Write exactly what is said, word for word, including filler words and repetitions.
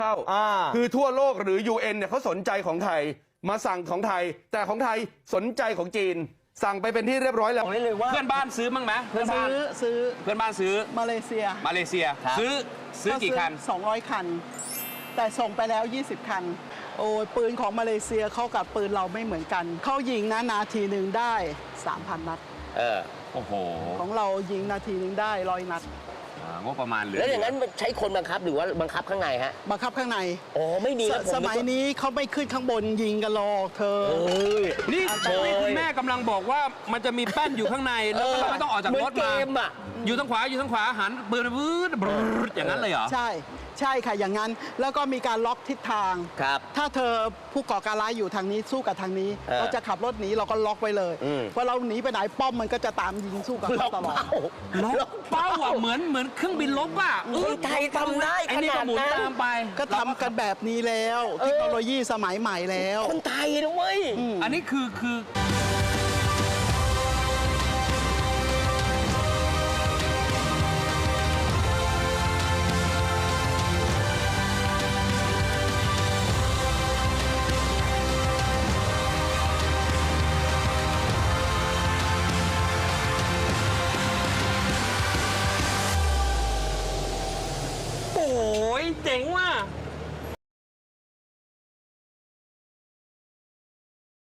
เข้าคือทั่วโลกหรือ ยู เอ็น เนี่ยเขาสนใจของไทยมาสั่งของไทยแต่ของไทยสนใจของจีนสั่งไปเป็นที่เรียบร้อยแล้วเลยว่าเพื่อนบ้านซื้อมั้งไหมเพื่อนบ้านซื้อซื้อเพื่อนบ้านซื้อมาเลเซียมาเลเซียซื้อซื้อกี่คันสองร้อยคันแต่ส่งไปแล้วยี่สิบคันโอ้ยปืนของมาเลเซียเข้ากับปืนเราไม่เหมือนกันเขายิงนะนาทีหนึ่งได้ สามพัน นัดเออโอ้โหของเรายิงนาทีหนึ่งได้ร้อยนัดงบประมาณเหลือแล้วอย่างนั้นใช้คนบังคับหรือว่าบังคับข้างในฮะบังคับข้างในอ๋อไม่มีสมัยนี้เขาไม่ขึ้นข้างบนยิงกันหรอกเธอนี่นี่คุณแม่กำลังบอกว่ามันจะมีแป้นอยู่ข้างในแล้วเราไม่ต้องออกจากรถมาอยู่ทางขวาอยู่ทางขวาหันปืนปืนอย่างนั้นเลยเหรอใช่ใช่ค่ะอย่างนั้นแล้วก็มีการล็อกทิศทางครับถ้าเธอผู้ก่อการร้ายอยู่ทางนี้สู้กับทางนี้เราจะขับรถหนีเราก็ล็อกไว้เลยพอเราหนีไปไหนป้อมมันก็จะตามยิงสู้กับเขาตลอดล็อกเป้าอ่ะเหมือนเหมือนเครื่องบินลบอ่ะคนไทยทำได้ขนาดนั้นตามไปก็ทำกันแบบนี้แล้วเทคโนโลยีสมัยใหม่แล้วคนไทยนะเว้ยอันนี้คือคือโอ้ยเจ๋งว่ะ